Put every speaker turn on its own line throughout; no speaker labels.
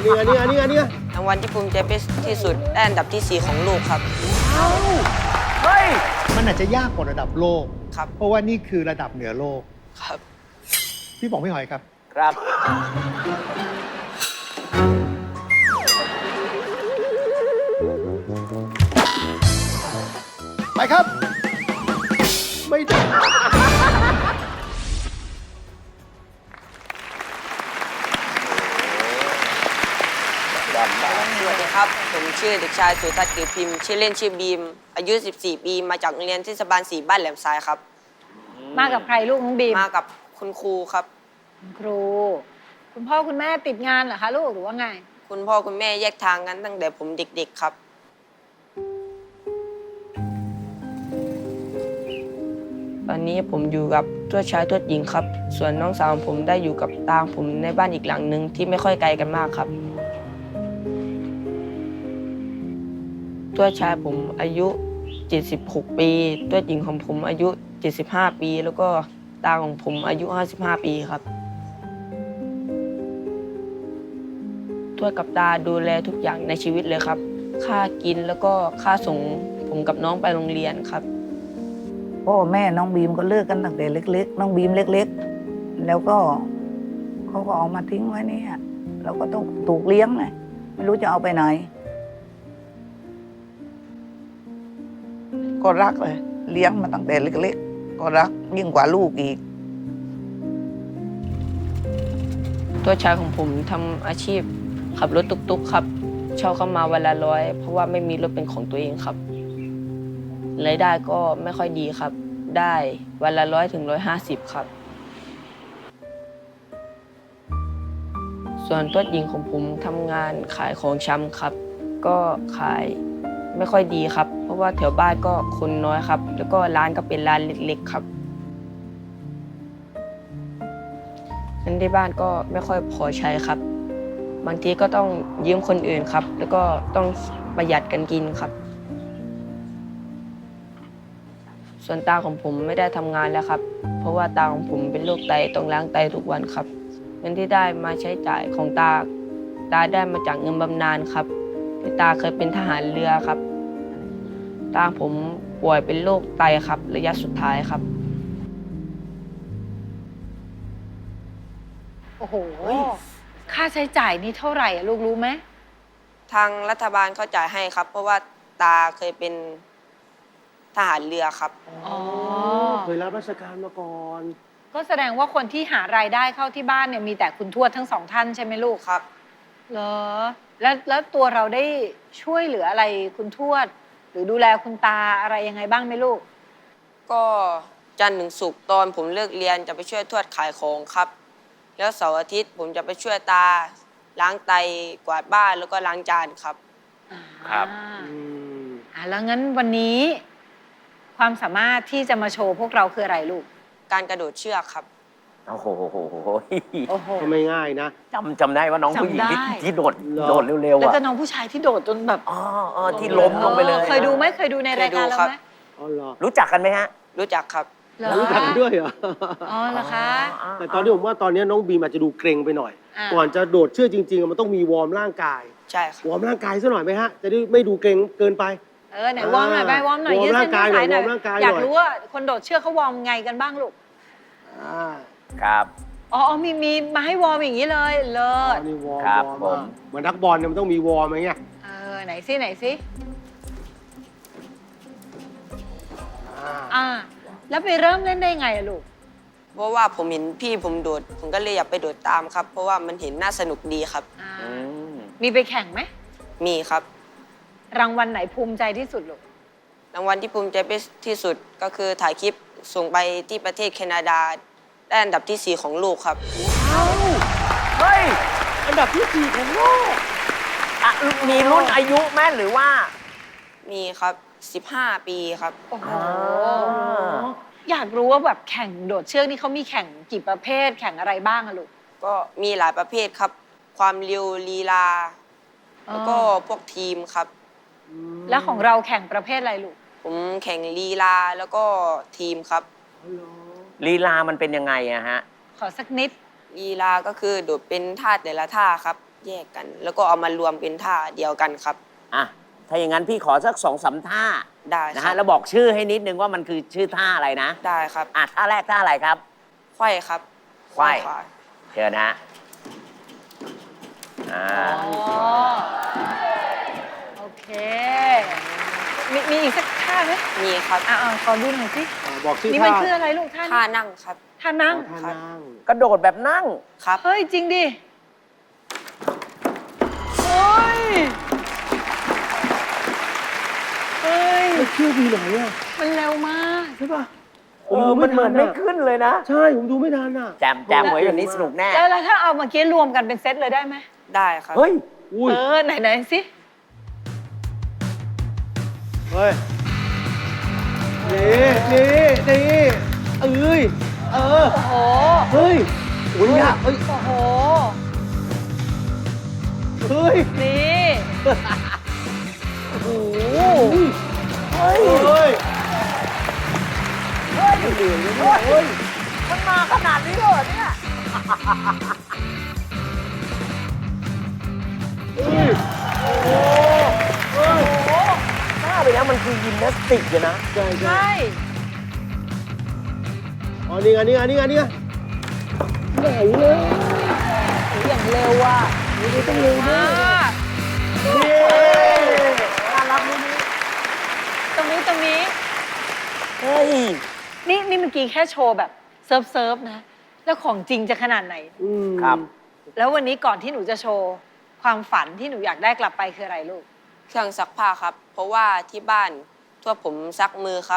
นี่
รางวัลที่ภูมิใจที่สุดได้อันดับที่ 4 ของโลกครับ
เฮ้ย
มันอาจจะยากกว่าระดับโลก
ครับ
เพราะว่านี่คือระดับเหนือโลก
ครับ
พี่บอกพี่หอยครับ
ครับ
ไปครับ ไม่ได้
สวัสดีครับ ผมชื่อเด็กชายสุทัศน์เกิดพิมพ์ชื่อเล่นชื่อบีม อายุ 14 ปี มาจากโรงเรียนเทศบาล 4 บ้านแหลมทรายครับ
มากับใครลูกน้องบีม
มากับคุณครูครับ
คุณครู คุณพ่อคุณแม่ติดงานเหรอคะลูกหรือว่าไง
คุณพ่อคุณแม่แยกทางกันตั้งแต่ผมเด็กๆครับ ตอนนี้ผมอยู่กับทวดชายทวดหญิงครับ ส่วนน้องสาวของผมได้อยู่กับตาของผมในบ้านอีกหลังหนึ่งที่ไม่ค่อยไกลกันมากครับ ทวดชายผมอายุ 76 ปีทวดหญิงของผมอายุ 75 ปี แล้วก็ตาของผมอายุ 55 ปีครับ ทวดกับตาดูแลทุกอย่างในชีวิตเลยครับ ค่ากินแล้วก็ค่าส่งผมกับน้องไปโรงเรียนครับ
พ่อแม่น้องบีมก็เลิกกันตั้งแต่เล็กๆ น้องบีมเล็กๆ แล้วก็เขาก็เอามาทิ้งไว้เนี่ยเราก็ต้องถูกเลี้ยงไงไม่รู้จะเอาไปไหน ก็รักเลยเลี้ยงมาตั้งแต่เล็กๆ ก็รักยิ่งกว่าลูกอีก
ตัวชายของผมทำอาชีพขับรถตุ๊กๆครับเช่าเข้ามาวันละ100เพราะว่าไม่มีรถเป็นของตัวเองครับรายได้ก็ไม่ค่อยดีครับ ได้วันละ100 ถึง 150ครับส่วนตัวหญิงของผมทำงานขายของชำครับ ก็ขายไม่ค่อยดีครับ เพราะว่าแถวบ้านก็คนน้อยครับ แล้วก็ร้านก็เป็นร้านเล็กๆครับเงินที่บ้านก็ไม่ค่อยพอใช้ครับ บางทีก็ต้องยืมคนอื่นครับ แล้วก็ต้องประหยัดกันกินครับ ส่วนตาของผมไม่ได้ทำงานแล้วครับ เพราะว่าตาของผมเป็นโรคไตต้องล้างไตทุกวันครับเงินที่ได้มาใช้จ่ายของตาได้มาจากเงินบำนาญครับที่ตาเคยเป็นทหารเรือครับตาผมป่วยเป็นโรคไตครับระยะสุดท้ายครับ
โอ้โห ค่าใช้จ่ายนี่เท่าไหร่อะลูกรู้ไหม
ทางรัฐบาลเขาจ่ายให้ครับ เพราะว่าตาเคยเป็นทหารเรือครับ
อ๋อ
เคยรับราชการมาก่อน
ก็แสดงว่าคนที่หารายได้เข้าที่บ้านเนี่ยมีแต่คุณทวดทั้งสองท่านใช่ไหมลูก
ครับ
เหรอแล้วตัวเราได้ช่วยเหลืออะไรคุณทวด หรือดูแลคุณตาอะไรยังไงบ้างไหมลูก
ก็จันทร์ถึงศุกร์ตอนผมเลิกเรียนจะไปช่วยทวดขายของครับ แล้วเสาร์อาทิตย์ผมจะไปช่วยตาล้างไตกวาดบ้านแล้วก็ล้างจานครับ
ครับ
แล้วงั้นวันนี้ ความสามารถที่จะมาโชว์พวกเราคืออะไรลูก
การกระโดดเชือกครับ
โอ้โห
โอ้โห
ก็ไม่ง่ายนะ
จำได้ว่าน้องผู้หญิงที่
จำได้
ที่โดด
เหรอ
โดดเร็วๆ
แล้ว
อ่ะ
ก็น้องผู้ชายที่โดดจนแบบ
อ๋อที่ล้มลงไปเลย
เคยดูไหมเคยดูในรายการเราไหม
อ๋อเหรอ
รู้จักกันไหมฮะ
รู้จักครับ
เหรอ
รู้จักด้วยเหรอ
อ๋อเหรอคะ
แต่ตอนนี้ผมว่าตอนนี้น้องบีมอาจจะดูเกรงไปหน่อย
อ่า
ก่อนจะโดดเชือกจริงๆ มันต้องมีวอร์มร่างกาย
ใช่ครับ
วอร์มร่างกายซะหน่อยไหมฮะ จะได้ไม่ดูเกรงเกินไป
ไหนวอร์มหน่อยไปวอร์มหน่อยว
อร์ม
ยืดเส้นยืดสายหน่อ
ร่างกาย
ย
หน่อย
อยากรู้ว่าคนโดดเชือกเขาวอร์มไงกันบ้างลูก
อ่า
ครับ
อ๋อมีมาให้วอร์มอย่างนี้เลยเลิ
อ๋
ศ
อนี่วอร์ม
ครับ
วอร์ม
ผม
เหมือนนักบอลเนี่ยมันต้องมีวอร์มไหมเนี่ย
ไหนสิไหนสิ
อ่า
แล้วไปเริ่มเล่นได้ไงอะลูก
เพราะว่าผมเห็นพี่ผมโดด ผมก็เลยอยากไปโดดตามครับ เพราะว่ามันเห็นน่าสนุกดีครับ
อืม
มีไปแข่งไหม
มีครับ
รางวัลไหนภูมิใจที่สุดลูก
รางวัลที่ภูมิใจที่สุดก็คือถ่ายคลิปส่งไปที่ประเทศแคนาดาได้อันดับที่ 4 ของโลกครับ
เฮ้ย
อันดับที่ 4 ของโลก
อ่ะมีรุ่นอายุไหมหรือว่า
มีครับ 15 ปีครับ
โอ้โห
อ่า
อยากรู้ว่าแบบแข่งโดดเชือกนี่เขามีแข่งกี่ประเภท แข่งอะไรบ้างอะลูก
ก็มีหลายประเภทครับ ความเร็วลีลา แล้วก็พวกทีมครับ
แล้วของเราแข่งประเภทอะไรลูก
ผมแข่งลีลาแล้วก็ทีมครับ
ลีลามันเป็นยังไงอะฮะ
ขอสักนิด
ลีลาก็คือโดดเป็นท่าแต่ละท่าครับแยกกัน แล้วก็เอามารวมเป็นท่าเดียวกันครับ
อ่ะ ถ้าอย่างนั้นพี่ขอสัก2-3 ท่า
ได้
นะ
ครั
ฮะ
บ
แล้วบอกชื่อให้นิดนึงว่ามันคือชื่อท่าอะไรนะ
ได้ครับ
อ่ะ ท่าแรกท่าอะไรครับ
ไขว้ครับ
ไขว้
ขวา
เชิญนะอ่า
อ๋อ โอเค มีอีกสักท่าไหม
มีครับ
ขอดูหน่อยสิ
บอกชื่อ
นี่
ท่า
มันคืออะไรลูกท่า
ท่า
นี้
นั่งครับ
ท่านั่ง
ท่านั่ง
กระโดดแบบนั่ง
ครับ
เฮ้ย จริงดิ เฮ้ย เฮ้ย
มันเชื่อดีไหนอ่ะ
มันเร็วมาก
ใช่ป่ะ
มันเหมือนไม่ขึ้นเลยนะ
ใช่ ผมดูไม่ทันอ่ะ
แจมไว้แบบนี้สนุกแน่
แล้วถ้าเอาเมื่อกี้รวมกันเป็นเซตเลยได้ไหม
ได้ครับ
เฮ้ย
อุ้ย
ไหนสิ
เฮ้ย นี่เอ้ย
โอ้โห
เฮ้ยโอ้ยยากเฮ้ย
โอ้โห
เฮ้ย
นี่
โอ้โห
เฮ้ย
เฮ้ย
มันมาขนาดนี้เลยเหรอเนี่ย บ้าไปแล้วมันคือยิมนาสติกเลยนะ
ใช่
ใช่
อ๋อนี่ไงไหนเลย
อย่างเร็วอ่ะ
นี่ต้องเร็ว
ม
มาก
นี่น่ารักนี่
ตรงนี้
เฮ้ย
นี่เมื่อกี้แค่โชว์แบบเซิร์ฟนะ แล้วของจริงจะขนาดไหน
ครับ
แล้ววันนี้ก่อนที่หนูจะโชว์ ความฝันที่หนูอยากได้กลับไปคืออะไรลูก
เครื่องซักผ้าครับ เพราะว่าที่บ้านทั่วผมซักมือครับ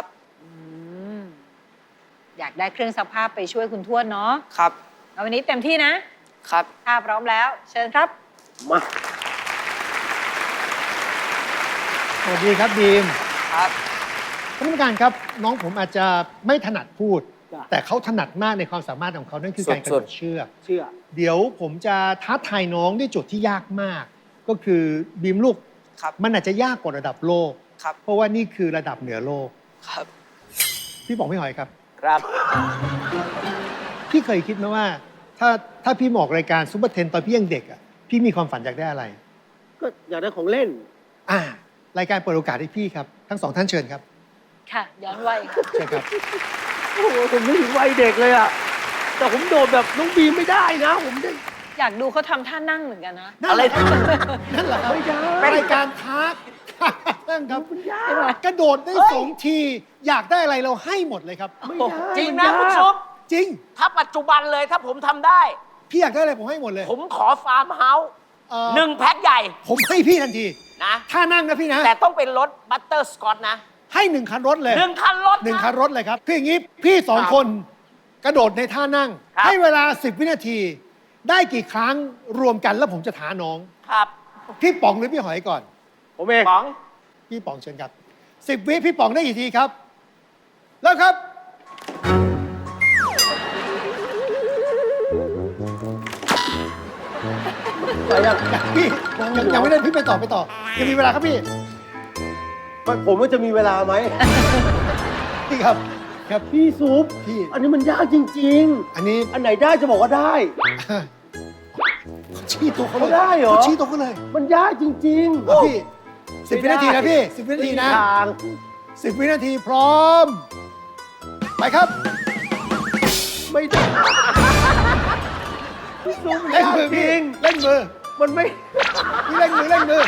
อยากได้เครื่องซักผ้าไปช่วยคุณทวดเนาะ
ครับ
เอาวันนี้เต็มที่นะ
ครับ
ถ้าพร้อมแล้ว เชิญครับ
มา
สวัสดีครับบีม
ครับ
ท่านผู้การครับ น้องผมอาจจะไม่ถนัดพูด
จ้ะ
แต่เขาถนัดมากในความสามารถของเขานั่นคือการกระ
สุ
โด
ด
ด
ๆ
เชือก
เชื่อ
เดี๋ยวผมจะท้าทายน้องด้วยโจทย์ที่ยากมาก ก็คือบีมลูก
ครับ
มันอาจจะยากกว่าระดับโลก
ครับ
เพราะว่านี่คือระดับเหนือโลก
ครับ
พี่บอกพี่หอยครับ
ครับ
พี่เคยคิดไหมว่า ถ้าพี่มาออกรายการซุปเปอร์เทนตอนพี่ยังเด็กอ่ะพี่มีความฝันอยากได้อะไร
ก็อยากได้ของเล่น
รายการเปิดโอกาสให้พี่ครับทั้งสองท่านเชิญครับ
ค่ะ ย้อนวัย
เชิญครับ
โอ้โหผมนึกถึงวัยเด็กเลยอ่ะ แต่ผมโดดแบบน้องบีมไม่ได้นะ ผมได้
อยากดูเขาทำท่านั่งเหมือนกันนะ
นั่นแหละครับนั่นแหละครับ
ไม่ได้
รายการท้านั่นครับ
ยาก
กระโดดได้2 ที อยากได้อะไรเราให้หมดเลยครับ
ไม่ได้
จริง
มั
นะ
ยาก
คุณซุป
จริง
ถ้าปัจจุบันเลยถ้าผมทำได้
พี่อยากได้อะไรผมให้หมดเลย
ผมขอฟาร์มเฮาส์
1
1 แพ็คใหญ่
ผมให้พี่ทันที
นะ
ถ้านั่งนะพี่นะ
แต่ต้องเป็นรถบัตเตอร์สกอตนะ
ให้1 คันรถเลย
1 คันรถนะ
1 คันรถเลยครับพี่อย่างนี้พี่2 คนกระโดดในท่านั่ง
ครับ
ให้เวลา10 วินาที ได้กี่ครั้งรวมกันแล้วผมจะท้าน้อง
ครับ
พี่ป๋องหรือพี่หอยก่อน
ผมเอง
ป๋อง
พี่ป๋องเชิญครับ10 วิพี่ป๋องได้กี่ทีครับเริ่มครับ พี่ยังไม่ได้พี่ไปต่อยังมีเวลาครับพี่
ผมว่าจะมีเวลาไหม
พี่ครับครับ
พี่ซุป
พี่
อันนี้มันยากจริง
อันนี้
ๆ อันไหนได้จะบอกว่าได้
ชี้ตัวเขาเลย
เขาได้เหรอ
เขาชี้ตัวเขาเลย
มันยากจริง
เอาพี่10 วินาทีนะพี่10 วินาทีนะ
ทาง
10 วินาทีพร้อม ไปครับ
ไม่ได้พี่ซุปมัน
เล่น
ยาก
มือ
จ
พี่
ริง
เล่นมือ
มันไม่
พี่เล่นมือเล่นมือ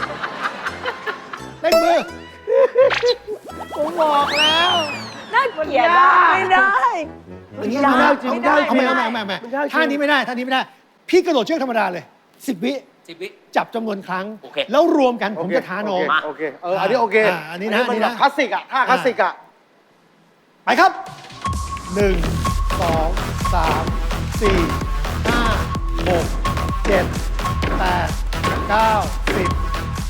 เล่นมือ
ผมบอกแล้ว
น่าเกลียด
มันยาก
ไม่ได้
อันนี้
ไม่ได้
เอาได้
ไม่ได้
เอา
จริง
ไม่
มันยากจริง
ท่านี้ไม่ได้ท่านี้ไม่ได้ พี่กระโดดเชือกธรรมดาเลย10 วิ
10 วิ
จับจำนวนครั้ง
โอเค
แล้วรวมกันผมจะท้าน้อง
โอเคอันนี้โอเค
อันนี้นะ
มัน
อันนี้
แบ
นะ
บคลาสสิกอ่ะท่าคลาสสิกอ่ะ
ไปครับ 1 2 3 4 5 6 7 8 9 10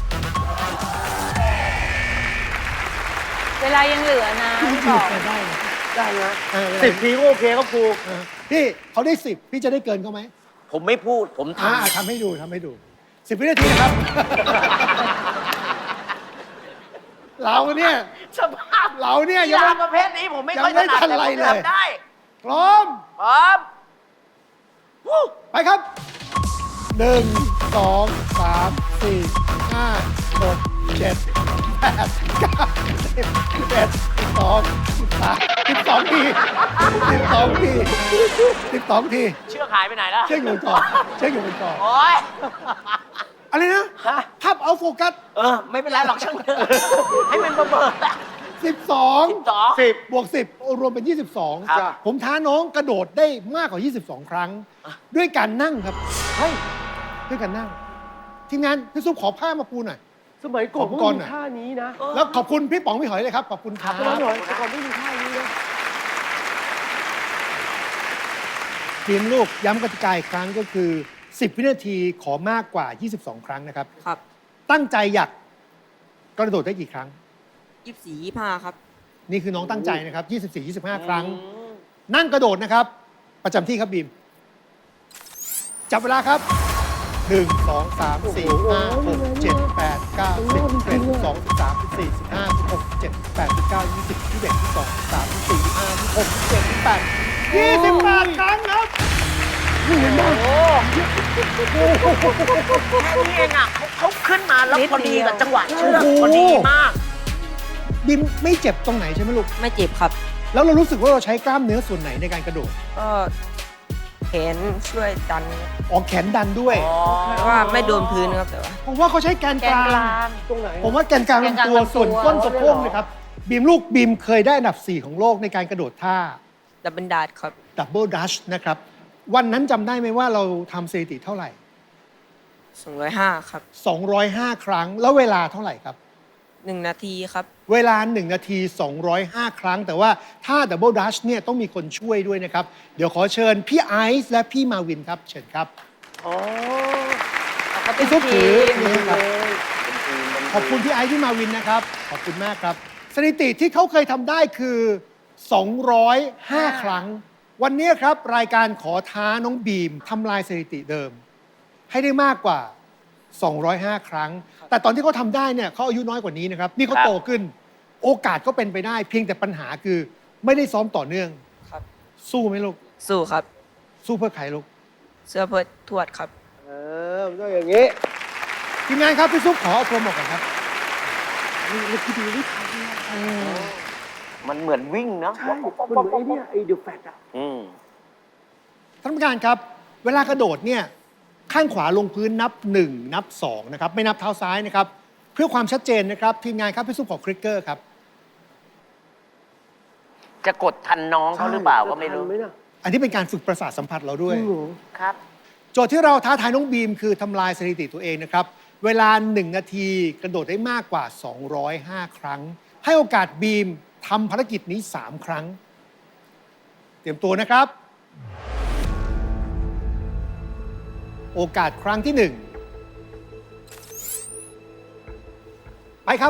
เวลายังเหลือนะพี่บอก
ได้
ได้นะ
10
10 ทีก็โอเคครับครู
พี่เขาได้ 10 พี่จะได้เกินเขาไหม
ผมไม่พูด ผมท
ทำให้ดูทำให้ดู 10 วินาทีนะครับ เราเนี่ย
ำสภาพ
เราเนี่ย
กี
ยัง
ฬา
ไม่
ประเภทนี้ผมไม่ค่อย
ยังไม่
ถนัด
ทัน
แต่
ไร
ผม
เลย
ทำได้
พร้อม
พร้อม
ไปครับ 1 2 3 4 5 6 7 8 9 10 11 12 13 12 ที 12 ที 12 ที
เชือกหายไปไหนแล้ว
เชือกอยู่บนกรอบเชือกอยู่บนกรอบ
โอ๊ย
อะไรนะ
ฮะ
ภาพเอาโฟกัส
ไม่เป็นไรหรอกช่างเถอะให้มันเบอร์
12
12
บวก 10 รวมเป็น 22
ครับ
ผมท้าน้องกระโดดได้มากกว่า 22 ครั้ง ด้วยการนั่งครับ
เฮ้ย
ด้วยการนั่ง ทีมงานพี่ซุปขอผ้ามาปูหน่อย
สมัยก่อน
ขอบคุ
ก็
ณ
มีท่านี้นะ
แล้วขอบคุณพี่ป๋องพี่หอยเลยครับ ขอบคุณครับ
สมัยก่อนแต่ก่อนไม่มีท่านี้นะ
ทีมลูกย้ำกติกาอีกครั้งก็คือ 10 วินาทีขอมากกว่า 22 ครั้งนะครับ
ครับ
ตั้งใจอยากกระโดดได้กี่ครั้ง
24 25 ครับ
นี่คือน้องตั้งใจนะครับ 24 25 ครั้ง นั่งกระโดดนะครับ ประจำที่ครับบีม จับเวลาครับ 1 2 3 4 5 6 7 8 9 10 11 12 13 14 15 16 17 18 19 20 21 22 23 24 25 26 27 28 28 ครั้งครับนี่เห็นไหม
แค่นี้เองอ่ะเขาขึ้นมาแล้ว
นิด
พอดี
เดียว
กับจังหวะเชือก
โอ้โห
พอดีมาก
บีมไม่เจ็บตรงไหนใช่ไหมลูก
ไม่เจ็บครับ
แล้วเรารู้สึกว่าเราใช้กล้ามเนื้อส่วนไหนในการกระโดด
ก็แขนช่วยดัน
ออกแขนดันด้วย
เพราะว่าไม่โดนพื้นครับแต่ว่า
ผมว่าเขาใช้แกน
แก
ก
น
ลาง
กลาง
ตรงไหน
ผมว่าแกนกลาง
แกนกลาง
ลำตัว
ลำตัว
ส่วนก้นสะโพกนะครับบีมลูกบีมเคยได้อันดับ 4 ของโลกในการกระโดดท่า
ดับเบิลดาดครับ
ดับเบิลดัชนะครับ วันนั้นจำได้ไหมว่าเราทำสถิติเท่าไหร่
205 ครับ
205 ครั้ง แล้วเวลาเท่าไหร่ครับ
1 นาทีครับ
เวลา 1 นาที 205 ครั้ง แต่ว่าถ้าดับเบิลดัชเนี่ยต้องมีคนช่วยด้วยนะครับ เดี๋ยวขอเชิญพี่ไอซ์และพี่มาวินครับ เชิญครับ
อ๋อ
เขาเป็น
พี่ซุป
ที
ถือ
ม
นี่ครับ ขอบคุณพี่ไอซ์พี่มาวินนะครับ ขอบคุณมากครับ สถิติที่เขาเคยทำได้คือ 205 ครั้ง วันนี้ครับรายการขอท้าน้องบีมทำลายสถิติเดิม ให้ได้มากกว่า 205 ครั้ง แต่ตอนที่เขาทำได้เนี่ยเขาอายุน้อยกว่านี้นะครับ นี่เขา
ครับ
โตขึ้น โอกาสก็เป็นไปได้ เพียงแต่ปัญหาคือไม่ได้ซ้อมต่อเนื่อง
ครับ
สู้ไหมลูก
สู้ครับ
สู้เพื่อใครลูก
เสื้อเพื่อทวดครับ
มันต้องอย่างนี้
ทีมงานครับพี่ซุปขอเอาโปรโมทกันครับ
นี่คือดูนี่ทันนะ
มันเหมือนวิ่งเนาะ
ใช่มันเหมือนไอ้เนี่ยไอ้เดอะแฟตอะ
ท่านผู้การครับ เวลากระโดดเนี่ยข้างขวาลงพื้นนับ 1 นับ 2 นะครับ ไม่นับเท้าซ้ายนะครับ เพื่อความชัดเจนนะครับ ทีมงานครับพี่ซุปขอคลิกเกอร์ครับ
จะกดทันน้องเขาหรือเปล่าก็ไม่รู้
ทันไหมน่ะ
อันนี้เป็นการฝึกประสาทสัมผัสเราด้วย
จริงเหรอ
ครับ
โจทย์ที่เราท้าทายน้องบีมคือทำลายสถิติตัวเองนะครับ เวลา 1 นาทีกระโดดได้มากกว่า 205 ครั้ง ให้โอกาสบีมทำภารกิจนี้ 3 ครั้ง เตรียมตัวนะครับ โอกาสครั้งที่ 1 ไปครับ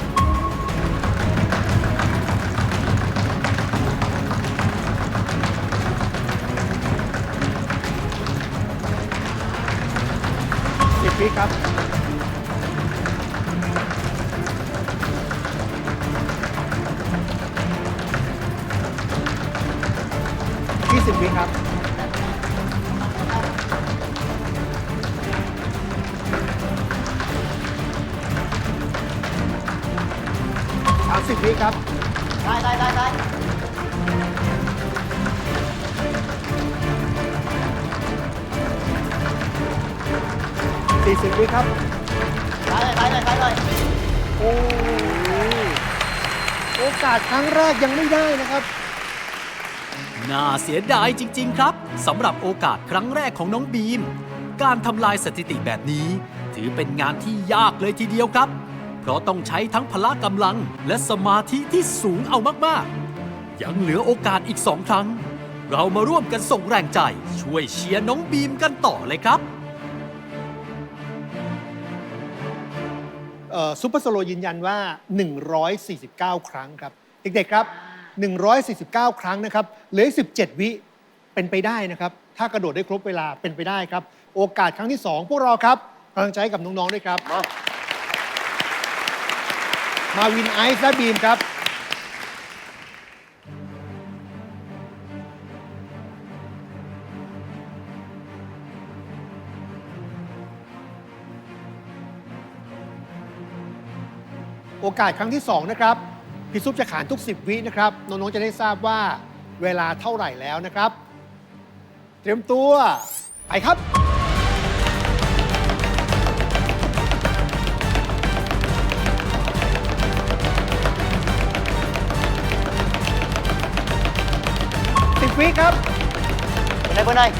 10 วิครับ 20 วิครับ 30 วิครับ 40 วิครับโอ้ยโอกาสครั้งแรกยังไม่ได้นะครับ
น่าเสียดายจริง ๆ ครับสำหรับโอกาสครั้งแรกของน้องบีม การทำลายสถิติแบบนี้ ถือเป็นงานที่ยากเลยทีเดียวครับ เพราะต้องใช้ทั้งพละกำลังและสมาธิที่สูงเอามากๆ ยังเหลือโอกาสอีก 2 ครั้ง เรามาร่วมกันส่งแรงใจ ช่วยเชียร์น้องบีมกันต่อเลยครับ
ซูเปอร์สโลว์ยืนยันว่า 149 ครั้งครับ เด็กๆครับ 149 ครั้งนะครับ เหลืออีก17 วิเป็นไปได้นะครับ ถ้ากระโดดได้ครบเวลาเป็นไปได้ครับ โอกาสครั้งที่ 2 พวกเราครับกำลังใจให้กับน้อง ๆ ด้วยครับ มาวินไอซ์และบีมครับ
เ
โอกาสครั้งที่ 2 นะครับพี่ซุปจะขานทุก 10 วินะครับน้องๆจะได้ทราบว่าเวลาเท่าไหร่แล้วนะครับ เตรียมตัวไปครับ 10 วิครับ
เบอร์ไหน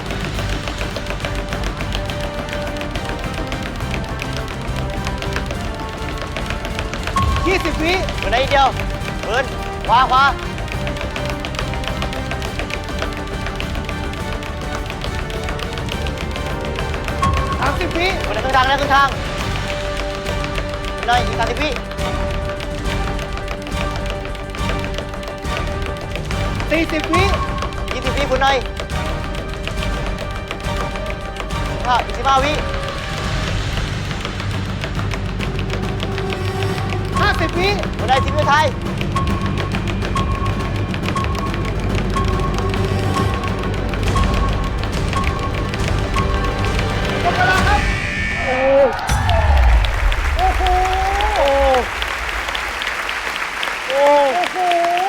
20 วิ
เบอร์ไหนเดียวเบิร์นขวา
30 วิ
เบอร์ไหนครึ่งทางนะครึ่งทางเบอร์ไหนอีก30 วิ
40 วิ
20 วิเบอร์ไหน25 วิ
50 วิ
เบอร์ไหนทีมเพื่อไทย
หมดเวลาครับ โอ้โห โอ้โห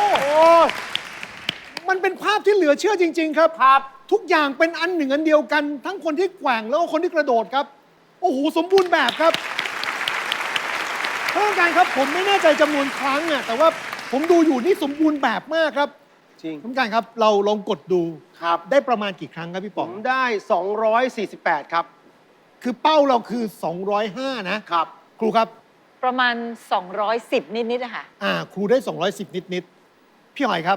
มันเป็นภาพที่เหลือเชื่อจริง ๆ ครับ
ครับ
ทุกอย่างเป็นอันหนึ่งอันเดียวกัน ทั้งคนที่แกว่งแล้วก็คนที่กระโดดครับ โอ้โห สมบูรณ์แบบครับท่านผู้การครับ ผมไม่แน่ใจจำนวนครั้งอะแต่ว่าผมดูอยู่นี่สมบูรณ์แบบมากครับ
จริง
ท่านผู้การครับ เราลองกดดู
ครับ
ได้ประมาณกี่ครั้งครับพี่
ผ
ป๋อง
มได้ 248 ครับ
คือเป้าเราคือ 205 นะ
ครับ
ครูครับ
ประมาณ 210 นิดๆอะค่ะ
ครูได้ 210 นิด ๆ พี่หอยครับ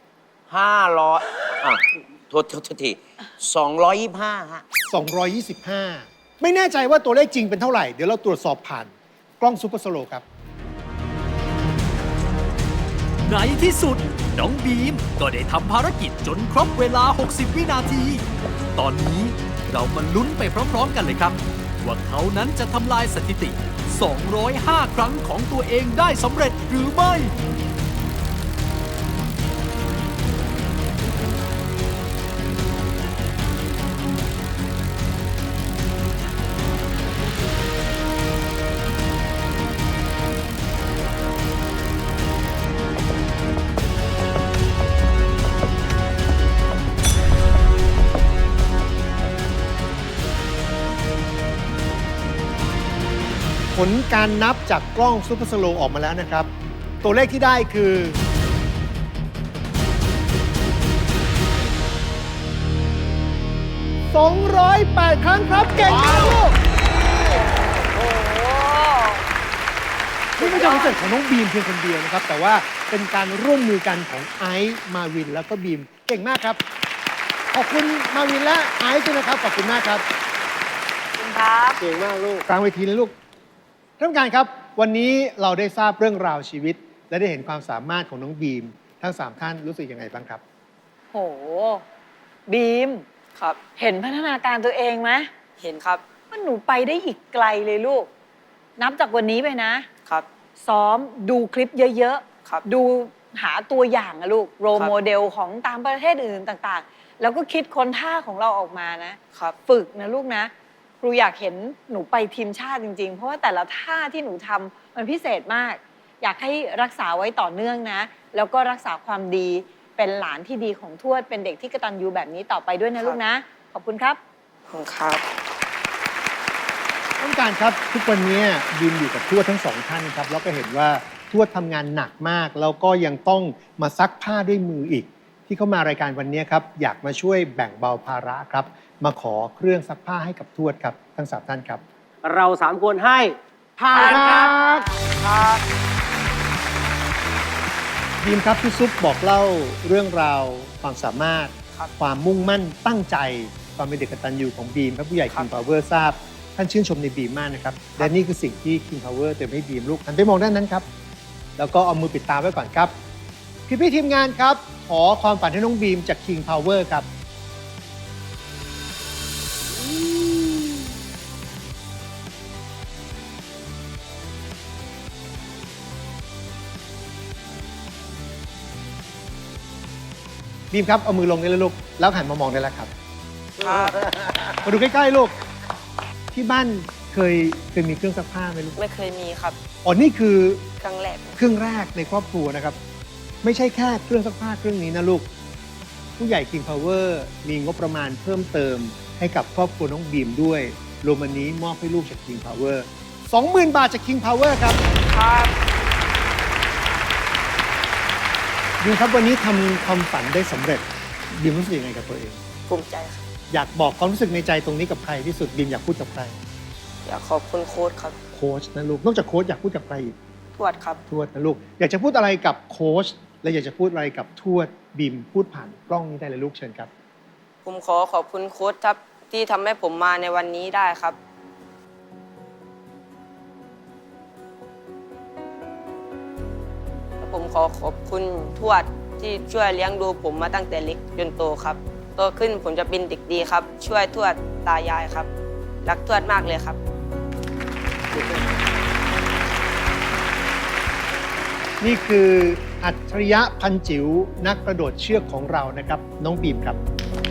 500โทษที225ฮะ
225 ไม่แน่ใจว่าตัวเลขจริงเป็นเท่าไหร่ เดี๋ยวเราตรวจสอบผ่านกล้องซูเปอร์สโลว์ครับ
ในที่สุด น้องบีมก็ได้ทำภารกิจจนครบเวลา 60 วินาที ตอนนี้เรามาลุ้นไปพร้อมๆกันเลยครับ ว่าเขานั้นจะทำลายสถิติ 205 ครั้งของตัวเองได้สำเร็จหรือไม่
ผลการนับจากกล้องซูเปอร์สโลว์ออกมาแล้วนะครับ ตัวเลขที่ได้คือ 208 ครั้งครับ เก่งมากลูกนี่ไม่ใช่คอนเสิร์ตของน้องบีมเพียงคนเดียวนะครับ แต่ว่าเป็นการร่วมมือกันของไอซ์มาวินแล้วก็บีม เก่งมากครับ ขอบคุณมาวินและไอซ์ด้วยนะครับ ขอบคุณมากครับ
ครับ
เก่งมากลูก
กลางเวทีเลยลูก ท่านผู้การครับ วันนี้เราได้ทราบเรื่องราวชีวิต และได้เห็นความสามารถของน้องบีม ทั้ง 3 ท่านรู้สึกยังไงบ้างครับ
โห บีม
ครับ
เห็นพัฒนาการตัวเองไหม
เห็นครับ
ว่าหนูไปได้อีกไกลเลยลูก นับจากวันนี้ไปนะ
ครับ
ซ้อมดูคลิปเยอะ
ครับ
ดูหาตัวอย่างอะลูก โร
ครับ
โมเดลของตามประเทศอื่นต่างๆ แล้วก็คิดค้นท่าของเราออกมานะ ฝึกนะลูกนะ ครูอยากเห็นหนูไปทีมชาติจริงๆ เพราะว่าแต่ละท่าที่หนูทำมันพิเศษมาก อยากให้รักษาไว้ต่อเนื่องนะ แล้วก็รักษาความดีเป็นหลานที่ดีของทวด เป็นเด็กที่กตัญญูแบบนี้ต่อไปด้วยนะลูกนะ ขอบคุณครับ
ขอบคุณครับ
ท่านผู้การครับ ทุกวันนี้บีมอยู่กับทวดทั้ง 2 ท่านครับ แล้วก็เห็นว่าทวดทำงานหนักมาก แล้วก็ยังต้องมาซักผ้าด้วยมืออีก ที่เขามารายการวันนี้ครับ อยากมาช่วยแบ่งเบาภาระครับ มาขอเครื่องซักผ้าให้กับทวดครับทั้ง 3 ท่านครับ
เรา3คนให้ผ่านครับ
บีมครับพี่ซุปบอกเล่าเรื่องราวความสามารถ ความมุ่งมั่นตั้งใจ ความเป็นเด็กกตัญญูของบีมครับผู้ใหญ่ King Power ทราบ ท่านชื่นชมในบีมมากนะครับและนี่คือสิ่งที่ King Power เติมให้บีมลูกหันไปมองด้านนั้นครับ แล้วก็เอามือปิดตาไว้ก่อนครับ พี่ทีมงานครับ ขอความฝันให้น้องบีมจาก King Power ครับ บีมครับ เอามือลงได้แล้วลูก แล้วหันมามองได้แล้วครับ มาดูใกล้ ๆ ลูก ที่บ้านเคยมีเครื่องซักผ้าไหมลูก
ไม่เคยมีครับ
อ๋อนี่คือ
ครั้งแรก
เครื่องแรกในครอบครัวนะครับ ไม่ใช่แค่เครื่องซักผ้าเครื่องนี้นะลูก ผู้ใหญ่ King Power มีงบประมาณเพิ่มเติมให้กับครอบครัวน้องบีมด้วยรวมวันนี้มอบให้ลูกจาก King Power 20,000 บาทจาก King Power ครับ
ครับ
บีมครับวันนี้ทำความฝันได้สำเร็จบีมรู้สึกยังไงกับตัวเอง
ภูมิใจครับ
อยากบอกความรู้สึกในใจตรงนี้กับใครที่สุดบีมอยากพูดกับใคร
อยากขอบคุณโค้ชครับ
โค้ชนะลูกนอกจากโค้ชอยากพูดกับใครอีก
ทวดครับ
ทวดนะลูกอยากจะพูดอะไรกับโค้ชและอยากจะพูดอะไรกับทวดบีมพูดผ่านกล้องนี้ได้เลยลูกเชิญครับ
ผมขอขอบคุณโค้ชครับที่ทำให้ผมมาในวันนี้ได้ครับ และผมขอขอบคุณทวดที่ช่วยเลี้ยงดูผมมาตั้งแต่เล็กจนโตครับโตขึ้นผมจะเป็นเด็กดีครับ ช่วยทวดตายายครับ รักทวดมากเลยครับ
นี่คืออัจฉริยะพันจิ๋วนักกระโดดเชือกของเรานะครับน้องบีมครับ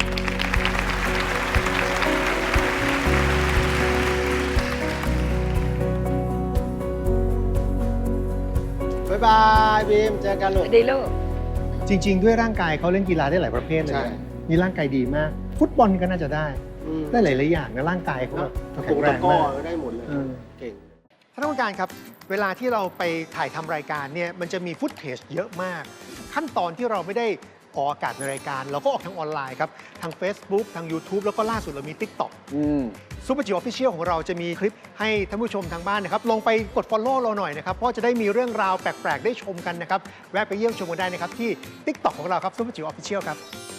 บ๊ายบายบีมเจอกันลูก
ดีลูก
จริง ๆ ด้วยร่างกายเขาเล่นกีฬาได้หลายประเภทเลย
ใช่
นะมีร่างกายดีมาก ฟุตบอลก็น่าจะได้
อืม
ได้หลายๆอย่างนะร่างกายเขาแบบ
ตะ
แข็งแรง
ก้อ
มาก
ได้หมดเลย
เออ
เก่ง
ท่านผู้การครับ เวลาที่เราไปถ่ายทำรายการเนี่ยมันจะมีฟุตเทจเยอะมาก ขั้นตอนที่เราไม่ได้ออกอากาศในรายการ เราก็ออกทางออนไลน์ครับ ทาง Facebook ทาง YouTube แล้วก็ล่าสุดเรามี TikTok
อืม
ซูเปอร์จิ๋วออฟฟิเชียลของเราจะมีคลิปให้ท่านผู้ชมทางบ้านนะครับ ลงไปกด Follow เราหน่อยนะครับ เพราะจะได้มีเรื่องราวแปลก ๆ ได้ชมกันนะครับ แวะไปเยี่ยมชมกันได้นะครับ ที่ TikTok ของเราครับซูเปอร์จิ๋วออฟฟิเชียลครับ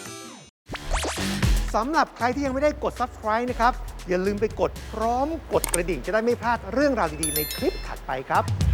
สำหรับใครที่ยังไม่ได้กด Subscribe นะครับ อย่าลืมไปกดพร้อมกดกระดิ่งจะได้ไม่พลาดเรื่องราวดี ๆ ในคลิปถัดไปครับ